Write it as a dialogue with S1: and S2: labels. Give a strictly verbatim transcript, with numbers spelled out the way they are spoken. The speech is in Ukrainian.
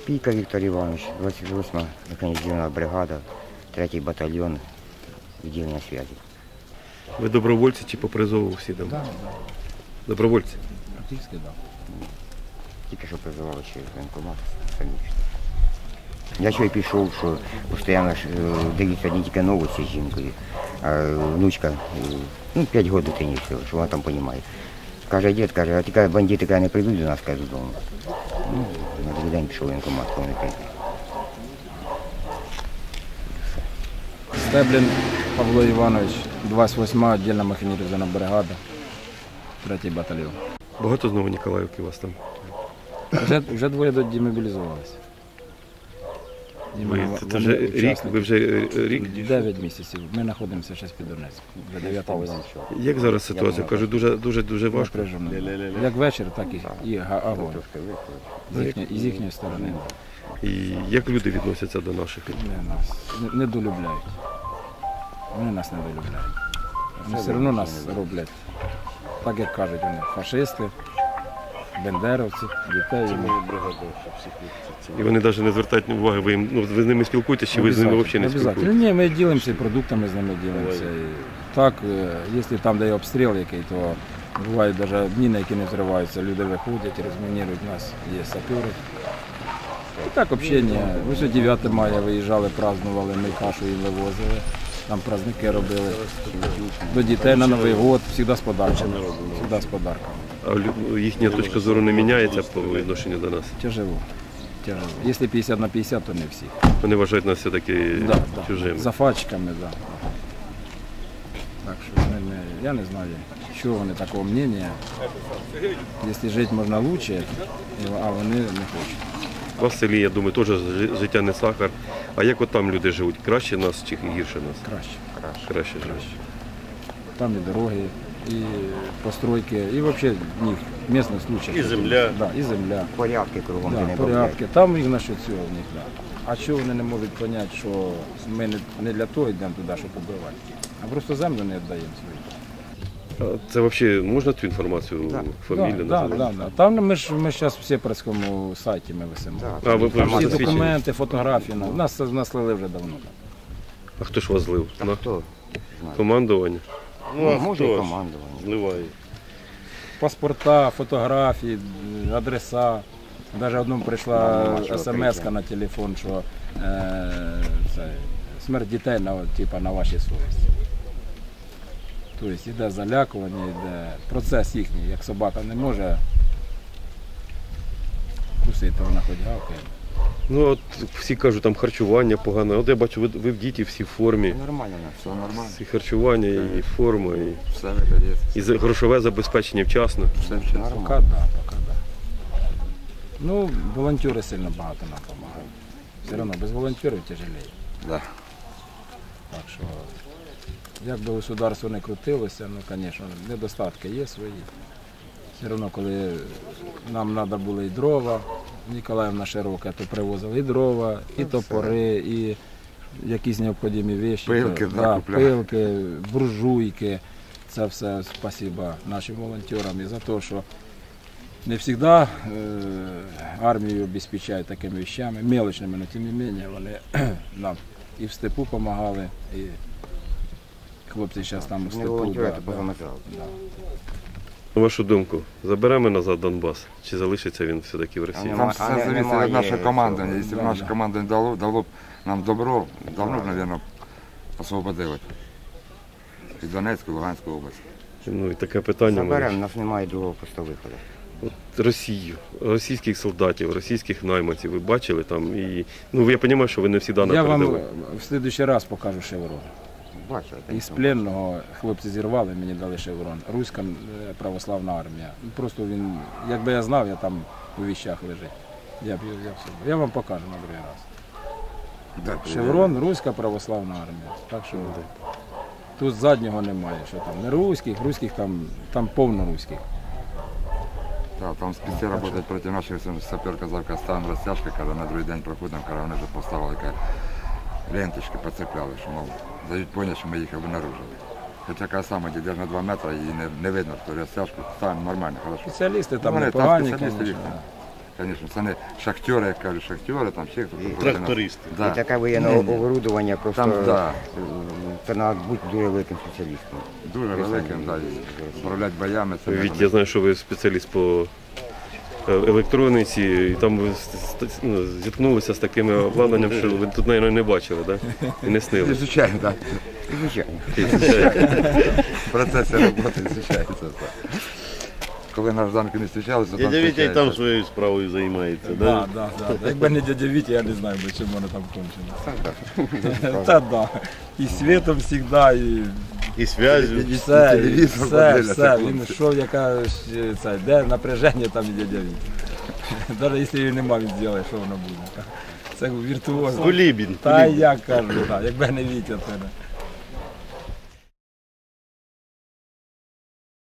S1: Пійка Віктор Іванович, двадцять восьма механізована бригада, третій батальйон, відділення зв'язку.
S2: Ви добровольці чи по призову всі там?
S3: Так,
S2: да. Добровольці?
S3: Практично, так.
S1: Тільки що призивали через воєнкомат, самічно. Я ще й пішов, що постійно дивіться одні тільки новості з жінкою, а внучка, ну, п'ять років дитині всього, що вона там розуміє. Каже, дід, каже, а тільки бандити каже, не прийдуть до нас, каже, додому. Ну, на другий день пішов воєнкомат, коли не прийде.
S3: Стеблін Павло Іванович, двадцять восьма віддільна механізована бригада, третій батальйон.
S2: Багато знову Ніколаївки у вас там?
S3: Вже, вже двоє демобілізувалися.
S2: Ви, це, це вже рік, ви вже рік?
S3: Дев'ять місяців. Ми знаходимося ще під Донецьком. Вже дев'ятий місяць.
S2: Як зараз ситуація? Кажу, дуже, дуже, дуже важко.
S3: Як вечір, так і, і огонь. З їхньої, з їхньої сторони.
S2: І як люди відносяться до наших?
S3: Не, нас не, не долюбляють. Вони нас не долюбляють. Вони все одно нас роблять, так як кажуть вони, фашисти, бендеровці, дітей.
S2: І вони навіть не звертають уваги, ви, їм, ну, ви з ними спілкуєтесь, чи ви з ними взагалі не спілкуєтесь?
S3: Ні, ми ділимося продуктами, з ними ділимося. І так, якщо там де є обстріл який, то бувають навіть міни, які не взриваються, люди виходять, розмінірують, у нас є сапери. І так общення. Вже дев'яте мая виїжджали, празднували, ми кашу їм вивозили, там праздники робили. До дітей на Новий год, завжди з подарками. Завжди з подарками.
S2: А їхня точка зору не міняється по відношенню до нас?
S3: Тяжело. Тяжело. Якщо п'ятдесят на п'ятдесят, то не всі.
S2: Вони вважають нас все-таки
S3: да,
S2: чужими.
S3: Да. За фачками, так. Да. Так що не, я не знаю, чого вони такого мнення. Якщо жити можна краще, а вони не хочуть.
S2: У вас в селі, я думаю, теж життя не сахар. А як от там люди живуть? Краще нас чи гірше нас?
S3: Краще.
S2: Краще, Краще живуть.
S3: Там і дороги, і постройки, і взагалі в них місцевий случай.
S2: І земля.
S3: Да, і земля.
S1: Порядки кругом.
S3: Да,
S1: не
S3: порядки. Там їх насчет цього в них. Да. А чого вони не можуть зрозуміти, що ми не для того йдемо туди, щоб побивати, а просто землю не віддаємо свою.
S2: Це взагалі можна цю інформацію,
S1: да.
S2: фамілію
S3: да,
S2: називати?
S3: да, да. Там ми ж ми зараз всі працькому сайті ми висимо.
S1: Да.
S2: А, ви
S3: Там всі
S2: вже
S3: документи, фотографії. У нас нас слили вже давно.
S2: А хто ж вас злив?
S1: Та
S2: На
S1: хто? Знає.
S2: командування?
S1: Ну, а може і командування.
S2: Зливає.
S3: Паспорта, фотографії, адреса. Навіть одному прийшла смс на телефон, що е, це, смерть дітей на, типу, на вашій совісті. Тобто йде залякування, йде процес їхній, як собака не може кусити, вона хоч гавкає.
S2: Ну от всі кажуть, там харчування погане. От я бачу, ви, ви в діті всі в формі.
S1: Нормально, все нормально.
S2: І харчування, і форма, і,
S1: Все виходить.
S2: і за- грошове забезпечення вчасно.
S1: Все вчасно.
S3: Поки так, да, поки да. Ну, волонтери сильно багато нам допомагають. Все одно без волонтерів тяжелее.
S1: Да.
S3: Так що, як би государство не крутилося, ну, звісно, недостатки є свої. Все одно, коли нам треба було і дрова, Ніколаївна широка, то привозили і дрова, і топори, і якісь необхідні речі.
S1: Пилки,
S3: то,
S1: да,
S3: да,
S1: купляли.
S3: пилки, буржуйки. Це все спасибо нашим волонтерам і за те, що не завжди е, армію обезпечають такими речами, мелочними, але тим не менше вони нам і в степу допомагали, і хлопці зараз там у
S1: Не
S3: степу.
S1: волонтери,
S3: Да,
S1: то
S3: да,
S1: позаметрали.
S3: да.
S2: На вашу думку, заберемо назад Донбас? Чи залишиться він все-таки в Росії?
S1: А
S4: Там
S1: А
S4: все
S1: не-
S4: зависит
S1: немає
S4: от нашей
S1: цього.
S4: команды. Если бы
S3: Да,
S4: наша
S3: да.
S4: команда не дало, дало б нам добро, давно б, наверное, освободили. І Донецьку, і Луганську область.
S2: Ну і таке питання.
S1: Заберемо, у
S2: мене.
S1: нас немає другого просто виходу.
S2: От Росію, російських солдатів, російських найманців ви бачили там? І, ну я розумію, що ви не всі дані
S3: Я вам
S2: передали.
S3: в слідуючий раз покажу шеврон.
S1: Бачили?
S3: Із пленного хлопці зірвали, мені дали шеврон. Руська е, православна армія. Просто він, якби я знав, я там у віщах лежить. Я б я, все. Я вам покажу на другий раз.
S4: Да,
S3: Шеврон, Руська православна армія. Так що тут заднього немає, що там не руських, руських там, там повно руських.
S4: Да, там спеці працюють проти наших, сапер казав, ставимо розтяжки, каже, на другий день проходимо, каже, вони вже поставили каже, ленточки, поцепляли, що мов, дають поняття, що ми їх обнаружили. Хоча каже, саме йдеш на два метри і не, не видно, що розтяжку ставимо нормально, хорошо.
S3: Спеціалісти там
S4: Ну, вони
S3: непогані,
S4: спеціалісти
S3: звісно.
S4: їх. звісно, це не шахтери, як кажуть, шахтери, там ще хтось. проти нас.
S5: Трактористи.
S4: Да.
S1: І таке воєнне оборудовання просто
S4: Там, да.
S1: е, це треба бути дуже великим спеціалістом.
S4: Дуже великим, да, і управляти боями. Це
S2: Від,
S4: не-
S2: я знаю, що ви спеціаліст по е, електроніці, і там ви з- з- ну, зіткнулися з такими обладнанням, що ви тут, мабуть, не бачили, да? І не снили.
S4: Звичайно, так.
S1: Звичайно.
S4: В процесі роботи звичайно це так. Коли на гражданки не зустрічалися,
S5: Дядя Вітя і там своєю справою займається,
S3: Да,
S5: да?
S3: да, да. Якби не дядя Вітя, я не знаю, би, чим воно там кончено.
S1: Так,
S3: Та да. І світом завжди, і,
S5: І зв'язю.
S3: і все, і
S4: телевізор
S3: все,
S4: подивляться,
S3: все.
S4: хлопці.
S3: Він йшов, яка ж, це, де напряження, там і дядя Вітя. Навіть якщо її нема, він зробить, що воно буде. Це віртуозно.
S5: Кулібін.
S3: Та я кажу, так, якби не Вітя, то не.